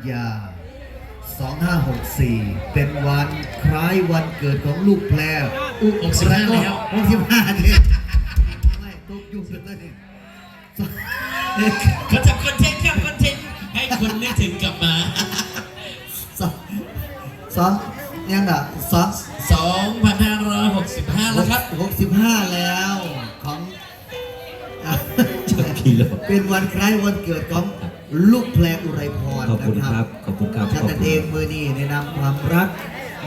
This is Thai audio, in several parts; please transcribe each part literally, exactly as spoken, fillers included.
ยาสองห้าหกสี่เป็นวันคล้ายวันเกิดของลูกแพรอุกสิบห้าแล้วหกสิบห้าเนี่ยไม่ตกยุ่งเลยเนี่ยเขาทำคอนเทนต์ครับคอนเทนต์ให้คนนึกถึงกลับมาสองสองยังอ่ะสองสองพันห้าร้อยหกสิบห้าแล้วครับหกสิบห้าแล้วของเป็นวันคล้ายวันเกิดของลูกแพรอุไรพรขอบคุณครับขอบคุณครับฉันเองมือนี่ในนามความรัก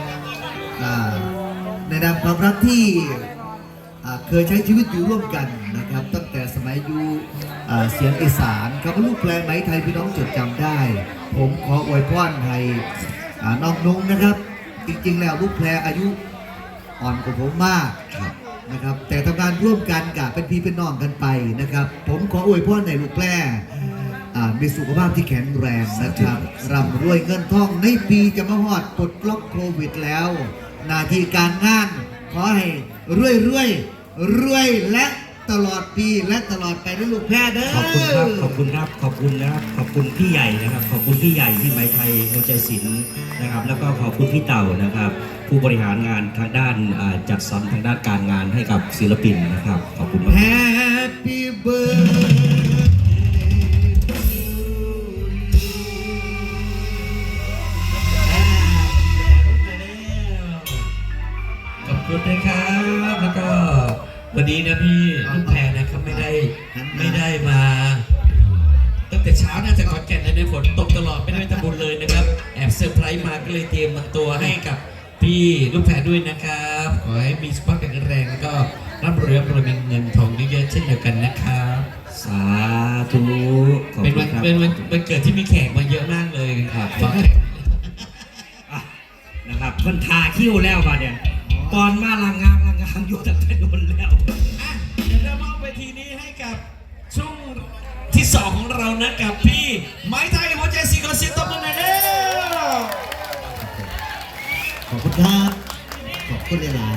ในนามความรักที่เคยใช้ชีวิตอยู่ร่วมกันนะครับตั้งแต่สมัยอยู่เสียงอีสานครับลูกแพรไหมไทยพี่น้องจดจำได้ผมขออวยพรให้น้องนุ้งนะครับจริงๆแล้วลูกแพรอายุอ่อนกว่าผมมากนะครับแต่ทำงานร่วมกันกับเป็นพี่เป็นน้องกันไปนะครับผมขออวยพรให้ลูกแพรมีสุขภาพที่แข็งแรงนะครับร่ำรวยเงินทองในปีจะมาฮอดปลดล็อกโควิดแล้วหน้าที่การงานขอให้รวยรวยรวยและตลอดปีและตลอดไปด้วยลูกแพรเด้อขอบคุณครับขอบคุณครับขอบคุณนะครับขอบคุณพี่ใหญ่นะครับขอบคุณพี่ใหญ่ที่ไหมไทยหัวใจศิลป์นะครับแล้วก็ขอบคุณพี่เต่านะครับผู้บริหารงานทางด้านจัดสรรทางด้านการงานให้กับศิลปินนะครับขอบคุณมาก Happy birthday ขอบคุณนะครับแล้วก็วันนี้นะพี่ลูกแพรนะครับไม่ได้ไม่ได้มาตั้งแต่เช้าน่าจะขอนแก่นในฝนตกตลอดไม่ได้ทำบุญเลยนะครับแอบเซอร์ไพรส์มาก็เลยเตรียมตัวให้กับพี่ลูกแพรด้วยนะครับขอให้มีสุขภาพแข็งแรงแล้วก็ร่ำรวยร่ำรวยมีเงินทองเยอะๆเช่นเดียวกันนะครับสาธุเป็นวันเป็นวันวันเกิดที่มีแขกมาเยอะมากเลยครับนะครับคนทาคิ้วแล้วป่ะเนี่ยตอนมาลางงามลางงามอยู่ตั้งแต่โดนแล้วเดี๋ยวเรามอบเวทีนี้ให้กับช่วงที่สองของเรานะกับพี่ไม้ไทยหัวใจสีกระสีตบมือหน่อยเร็วขอบคุณครับขอบคุณหลาย